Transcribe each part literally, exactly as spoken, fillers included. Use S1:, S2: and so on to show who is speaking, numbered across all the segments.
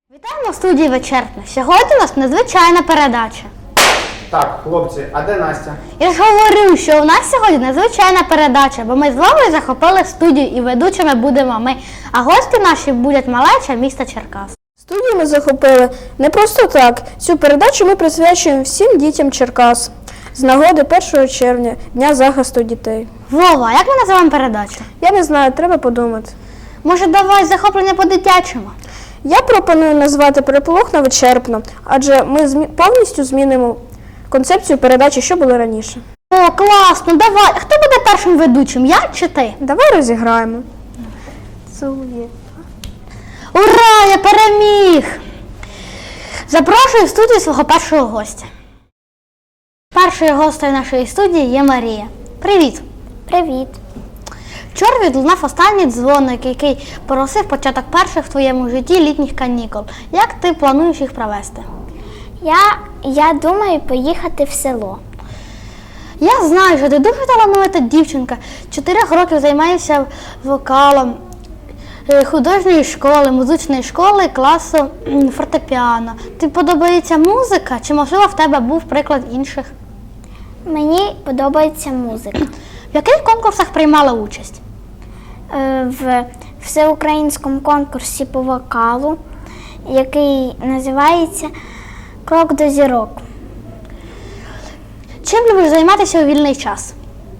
S1: Вітаємо в студії «Вечерня». Сьогодні у нас незвичайна передача.
S2: Так, хлопці, а де Настя?
S1: Я ж говорю, що у нас сьогодні незвичайна передача, бо ми з вами захопили студію і ведучими будемо ми, а гості наші будуть малеча міста Черкас.
S3: Студію ми захопили не просто так. Цю передачу ми присвячуємо всім дітям Черкас з нагоди першого червня, Дня захисту дітей.
S1: Вова, як ми називаємо передачу?
S3: Я не знаю, треба подумати.
S1: Може, давай захоплення по-дитячому?
S3: Я пропоную назвати «Переполох на вичерпно», адже ми змі... повністю змінимо концепцію передачі, що було раніше.
S1: О, класно, давай. А хто буде першим ведучим, я чи ти?
S3: Давай розіграємо.
S1: Ура, я переміг! Запрошую в студію свого першого гостя. Першою гостею нашої студії є Марія. Привіт!
S4: Привіт.
S1: Вчора відлунав останній дзвоник, який поросив початок перших в твоєму житті літніх канікул. Як ти плануєш їх провести?
S4: Я, я думаю поїхати в село.
S1: Я знаю, що ти дуже талановита дівчинка. Чотирьох років займаєшся вокалом, е, художньої школи, музичної школи, класу м, фортепіано. Тобі подобається музика, чи, можливо, в тебе був приклад інших?
S4: Мені подобається музика.
S1: В яких конкурсах приймала участь?
S4: Е, В всеукраїнському конкурсі по вокалу, який називається «Крок до зірок».
S1: Чим любиш займатися у вільний час?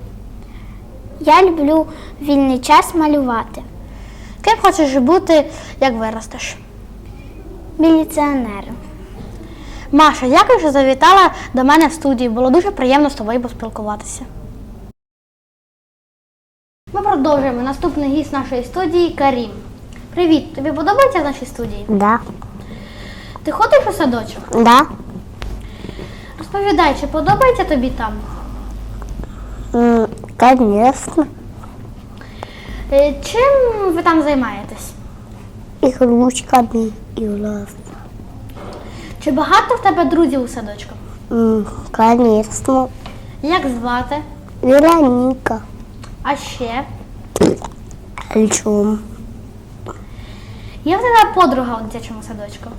S4: Я люблю вільний час малювати.
S1: Ким хочеш бути, як виростеш?
S4: Міліціонером.
S1: Маша, дякую, що завітала до мене в студію. Було дуже приємно з тобою поспілкуватися. Ми продовжуємо. Наступний гість нашої студії – Карім. Привіт, тобі подобається в нашій студії?
S4: Да.
S1: Ти ходиш у садочок?
S4: Да.
S1: Розповідай, чи подобається тобі там?
S4: Конечно.
S1: Е, Чим ви там займаєтесь?
S4: Ігрушками і нас.
S1: Чи багато в тебе друзів у садочку?
S4: Конечно.
S1: Як звати?
S4: Вероніка.
S1: А ще?
S4: Альчом.
S1: Є в тебе подруга у дитячому садочку?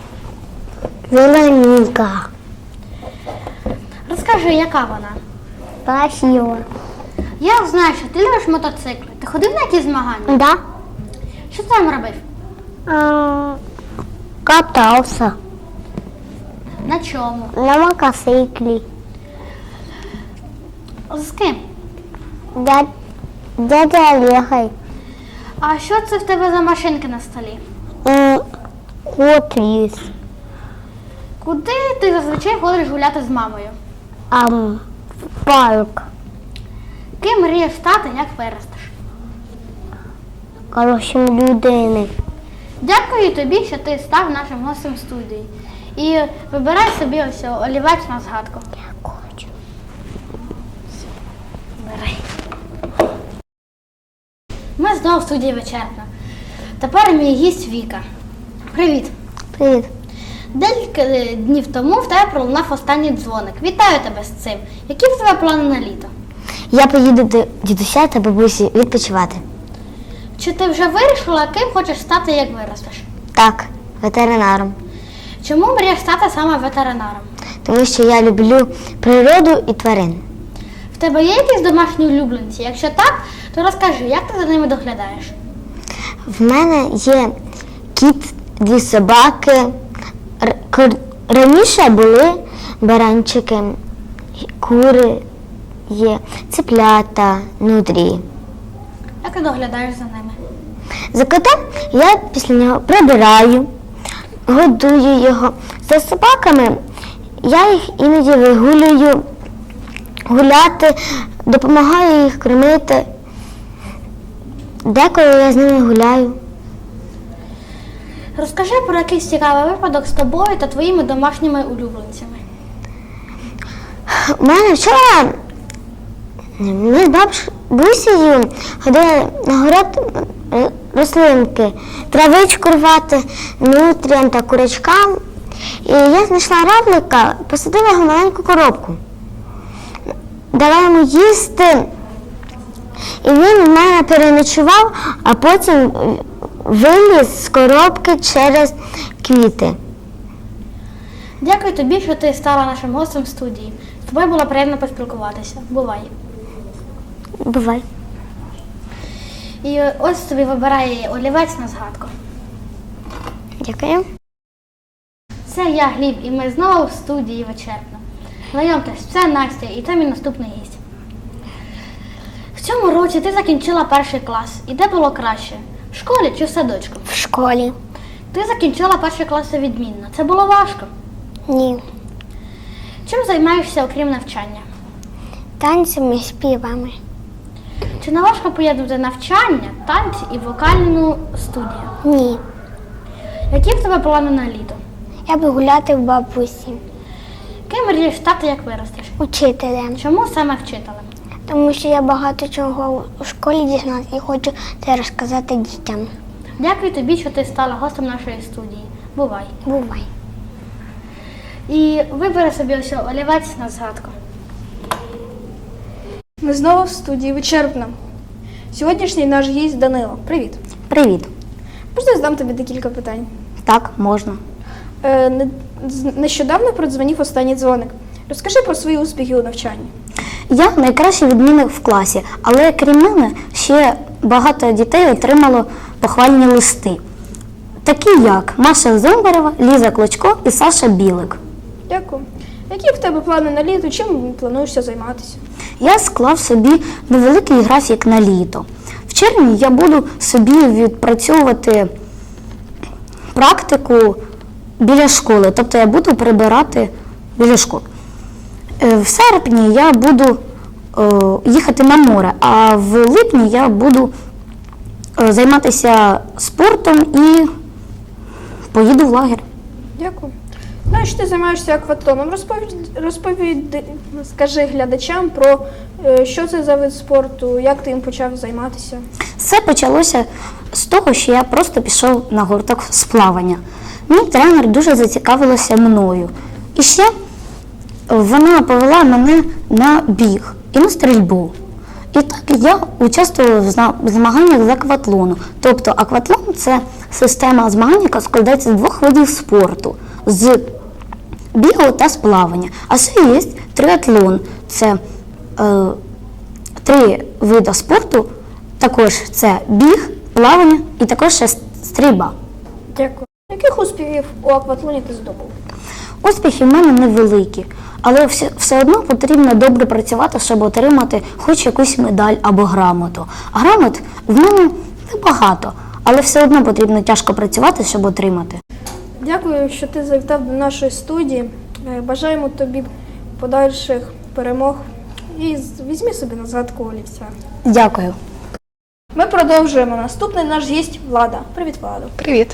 S4: Вероніка.
S1: Розкажи, яка вона?
S4: Красиво.
S1: Я знаю, що ти любиш мотоцикли. Ти ходив на якісь змагання?
S4: Да.
S1: Що ти там робив?
S4: А, катався
S1: На чому?
S4: на мотоциклі.
S1: З ким?
S4: Дя... Дядя Олегой.
S1: А що це в тебе за машинки на столі?
S4: Кот є.
S1: Куди ти зазвичай ходиш гуляти з мамою?
S4: А, в парк.
S1: Ким мрієш стати, як виростеш?
S4: Хорошим людини.
S1: Дякую тобі, що ти став нашим гостем студії. І вибирай собі ось олівець на згадку.
S4: Хочу.
S1: Бери. Ми знову в студії «Вечерня». Тепер мій гість Віка. Привіт.
S4: Привіт.
S1: Декілька днів тому в тебе пролунав останній дзвоник. Вітаю тебе з цим. Які в тебе плани на літо?
S4: Я поїду до дідуся та бабусі відпочивати.
S1: Чи ти вже вирішила, ким хочеш стати, як виростеш?
S4: Так, ветеринаром.
S1: Чому мрієш стати саме ветеринаром?
S4: Тому що я люблю природу і тварин.
S1: В тебе є якісь домашні улюбленці? Якщо так, то розкажи, як ти за ними доглядаєш?
S4: В мене є кіт, дві собаки. Р- кур- Раніше були баранчики, кури є, цеплята, нутрії.
S1: Як ти доглядаєш за ними?
S4: За котом я після нього прибираю, годую його. За собаками я їх іноді вигулюю, гуляти, допомагаю їх кормити. Деколи я з ними гуляю.
S1: Розкажи про якийсь цікавий випадок з тобою та твоїми домашніми улюбленцями.
S4: У мене вчора ми з бабусею ходили на город е, рослинки, травичку рвати, нутріям та курочкам. І я знайшла равлика, посадила його в маленьку коробку. Дала йому їсти, і він в мене переночував, а потім виліз з коробки через квіти.
S1: Дякую тобі, що ти стала нашим гостем в студії. З тобою було приємно поспілкуватися. Бувай.
S4: Бувай.
S1: І ось тобі вибирає олівець на згадку.
S4: Дякую.
S1: Це я, Гліб, і ми знову в студії Вечерпно. Знайомтесь, це Настя, і це мій наступний гість. В цьому році ти закінчила перший клас. І де було краще? В школі чи в садочку?
S4: В школі.
S1: Ти закінчила перший клас відмінно. Це було важко.
S4: Ні.
S1: Чим займаєшся, окрім навчання?
S4: Танцями, співами.
S1: Чи не важко поєднувати навчання, танці і вокальну студію?
S4: Ні.
S1: Які в тебе плани на літо?
S4: Я би гуляти в бабусі.
S1: Ким мрієш стати, як виростеш?
S4: Учителем.
S1: Чому саме вчителем?
S4: Тому що я багато чого у школі дізналася і хочу це розказати дітям.
S1: Дякую тобі, що ти стала гостем нашої студії. Бувай.
S4: Бувай.
S1: І вибери собі ось олівець на згадку.
S3: Ми знову в студії Вечерпно. Сьогоднішній наш гість Данило. Привіт.
S5: Привіт.
S3: Можна я задам тобі декілька питань?
S5: Так, можна.
S3: Е, не- з- нещодавно продзвонив останній дзвоник. Розкажи про свої успіхи у навчанні.
S5: Я найкращий відмінник в класі, але крім мене ще багато дітей отримало похвальні листи. Такі як Маша Зомбарева, Ліза Клочко і Саша Білик.
S3: Дякую. Які в тебе плани на літо? Чим плануєшся займатися?
S5: Я склав собі невеликий графік на літо. В червні я буду собі відпрацьовувати практику біля школи, тобто я буду прибирати біля школи. Е, В серпні я буду е, їхати на море, а в липні я буду е, займатися спортом і поїду в лагерь.
S3: Дякую. Знаю, що ти займаєшся акватлоном. Розповідь, розповіди, скажи глядачам про е, що це за вид спорту, як ти їм почав займатися.
S5: Все почалося з того, що я просто пішов на гурток з плавання. Мій тренер дуже зацікавилася мною. І ще вона повела мене на біг і на стрільбу. І так я участвувала в зна- в змаганнях з акватлону. Тобто акватлон – це система змагань, яка складається з двох видів спорту – з бігу та з плавання. А ще є триатлон – це е, три види спорту, також це біг, плавання і також ще стрільба.
S3: Дякую. Яких успіхів у акватлоні ти здобув?
S5: Успіхи в мене невеликі, але все, все одно потрібно добре працювати, щоб отримати хоч якусь медаль або грамоту. А грамот в мене небагато, але все одно потрібно тяжко працювати, щоб отримати.
S3: Дякую, що ти завітав до нашої студії. Е, Бажаємо тобі подальших перемог і з- візьми собі на згадку олівця.
S5: Дякую.
S3: Ми продовжуємо. Наступний наш гість Влада. Привіт, Владо.
S6: Привіт,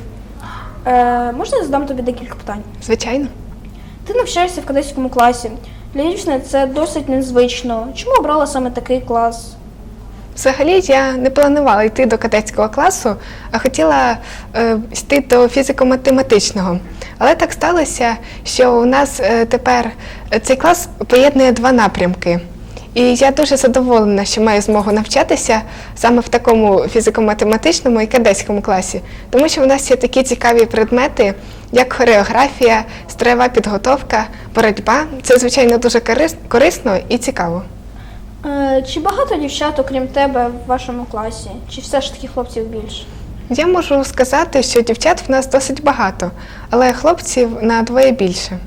S3: Е, можна я задам тобі декілька питань?
S6: звичайно.
S3: Ти навчаєшся в кадетському класі. Для дівчини це досить незвично. Чому обрала саме такий клас?
S6: Взагалі я не планувала йти до кадетського класу, а хотіла е, йти до фізико-математичного. Але так сталося, що у нас е, тепер цей клас поєднує два напрямки. І я дуже задоволена, що маю змогу навчатися саме в такому фізико-математичному і кадетському класі, тому що у нас є такі цікаві предмети, як хореографія, строєва підготовка, боротьба. Це, звичайно, дуже корис- корисно і цікаво.
S3: Е, чи багато дівчат, окрім тебе, в вашому класі? Чи все ж таки хлопців більше?
S6: Я можу сказати, що дівчат в нас досить багато, але хлопців на двоє більше.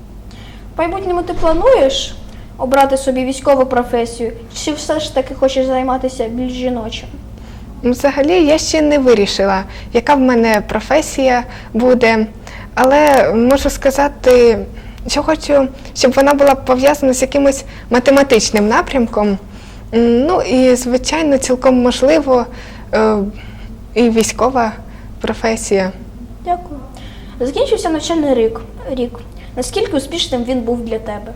S3: В майбутньому ти плануєш обрати собі військову професію, чи все ж таки хочеш займатися більш жіночим?
S6: Взагалі, я ще не вирішила, яка в мене професія буде, але можу сказати, що хочу, щоб вона була пов'язана з якимось математичним напрямком. М, Ну і, звичайно, цілком можливо е, і військова професія.
S3: Дякую. Закінчився навчальний рік. рік. Наскільки успішним він був для тебе?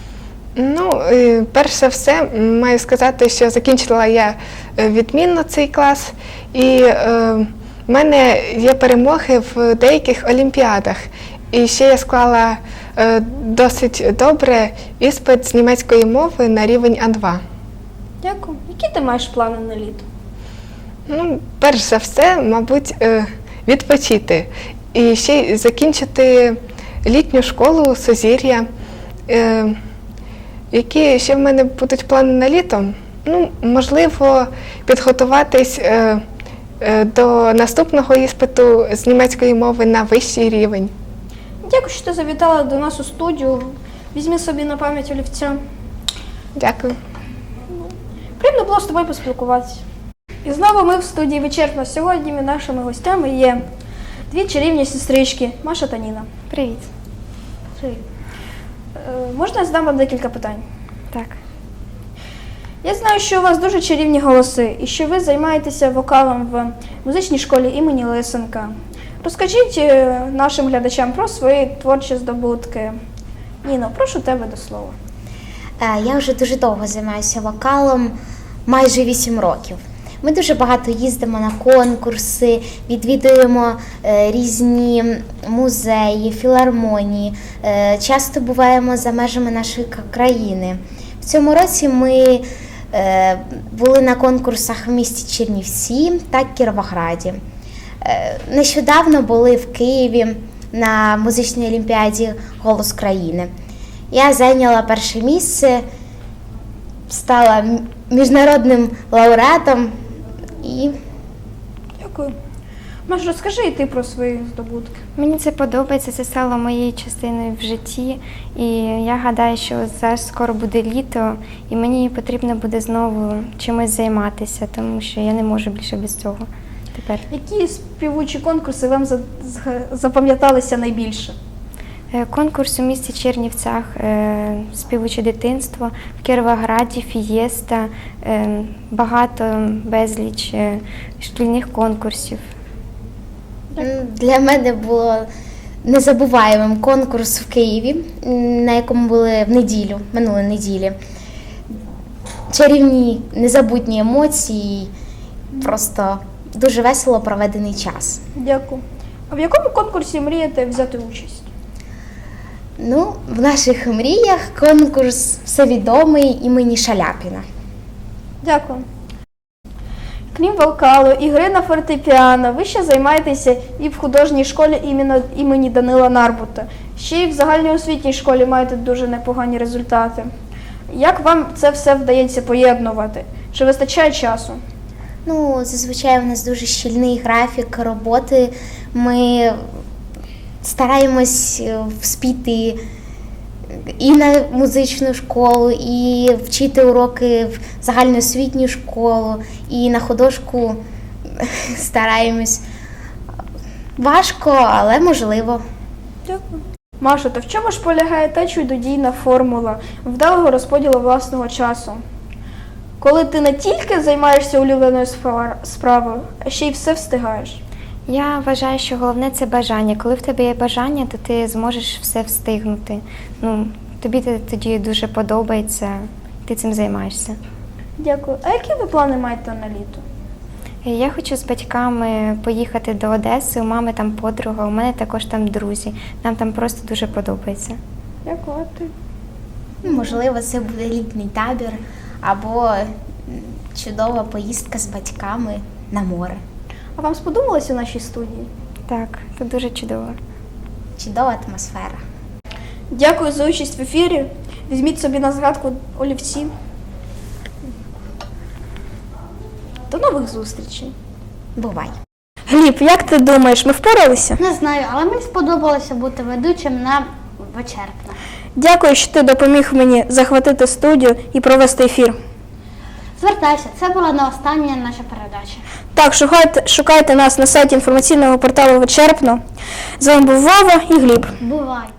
S6: Ну, е, перш за все, м, маю сказати, що закінчила я е, відмінно цей клас, і е, в мене є перемоги в деяких олімпіадах. І ще я склала е, досить добре іспит з німецької мови на рівень А два.
S3: Дякую. Які ти маєш плани на літо?
S6: Ну, перш за все, мабуть, е, відпочити. І ще й закінчити літню школу Сузір'я. Е, Які ще в мене будуть плани на літо? Ну, можливо, підготуватись е, е, до наступного іспиту з німецької мови на вищий рівень.
S3: Дякую, що ти завітала до нас у студію. Візьми собі на пам'ять олівця.
S6: Дякую.
S3: Приємно було з тобою поспілкуватися. І знову ми в студії «Вичерпно». Сьогодні нашими гостями є дві чарівні сестрички Маша та Ніна.
S7: Привіт.
S3: Привіт. Е, Можна я задам вам декілька питань?
S7: Так.
S3: Я знаю, що у вас дуже чарівні голоси і що ви займаєтеся вокалом в музичній школі імені Лисенка. Розкажіть е, нашим глядачам про свої творчі здобутки. Ніно, прошу тебе до слова.
S8: Е, Я вже дуже довго займаюся вокалом, майже вісім років. Ми дуже багато їздимо на конкурси, відвідуємо е, різні музеї, філармонії, е, часто буваємо за межами нашої к- країни. В цьому році ми е, були на конкурсах в місті Чернівці та Кіровограді. Е, нещодавно були в Києві на музичній олімпіаді «Голос країни». Я зайняла перше місце, стала м- міжнародним лауреатом і
S3: Дякую. Маш, розкажи і ти про свої здобутки.
S7: Мені це подобається, це стало моєю частиною в житті. І я гадаю, що зараз скоро буде літо, і мені потрібно буде знову чимось займатися, тому що я не можу більше без цього тепер.
S3: Які співучі конкурси вам за- зга- запам'яталися найбільше?
S7: Е, Конкурс у місті Чернівцях, е, співуче дитинство, в Кіровограді, фієста, е, багато, безліч е, шкільних конкурсів.
S8: м, для мене було незабуваємим конкурс в Києві, м, на якому були в неділю, минулої неділі. Чарівні, незабутні емоції, просто дуже весело проведений час.
S3: Дякую. А в якому конкурсі мрієте взяти участь?
S8: Ну, в наших мріях конкурс всевідомий імені Шаляпіна.
S3: Дякую. Крім вокалу і гри на фортепіано, ви ще займаєтеся і в художній школі імені, імені Данила Нарбута. Ще й в загальноосвітній школі маєте дуже непогані результати. Як вам це все вдається поєднувати? Чи вистачає часу?
S8: Ну, зазвичай у нас дуже щільний графік роботи. Ми стараємось е, вспіти і на музичну школу, і вчити уроки в загальноосвітню школу, і на художку стараємось. Важко, але можливо.
S3: Дякую. Маша, то в чому ж полягає та чудодійна формула вдалого розподілу власного часу? Коли ти не тільки займаєшся улюбленою сфа- справою, а ще й все встигаєш.
S7: Я вважаю, що головне це бажання. Коли в тебе є бажання, то ти зможеш все встигнути. Ну, тобі це тоді дуже подобається, ти цим займаєшся.
S3: Дякую. А які ви плани маєте на літо?
S7: Я хочу з батьками поїхати до Одеси, у мами там подруга, у мене також там друзі. Нам там просто дуже подобається.
S3: Дякую. А ти?
S8: Можливо, це буде літній табір або м, чудова поїздка з батьками на море.
S3: А вам сподобалося у нашій студії?
S7: Так, це дуже чудово.
S8: Чудова атмосфера.
S3: Дякую за участь в ефірі. Візьміть собі на згадку олівці. До нових зустрічей.
S8: Бувай!
S3: Гліб, як ти думаєш, ми впоралися?
S1: Не знаю, але мені сподобалося бути ведучим на «Вичерпно».
S3: Дякую, що ти допоміг мені захватити студію і провести ефір.
S1: Звертайся, це була не остання наша передача.
S3: Так, шукайте, шукайте нас на сайті інформаційного порталу «Вичерпно». З вами був Вова і Гліб.
S1: Бувай!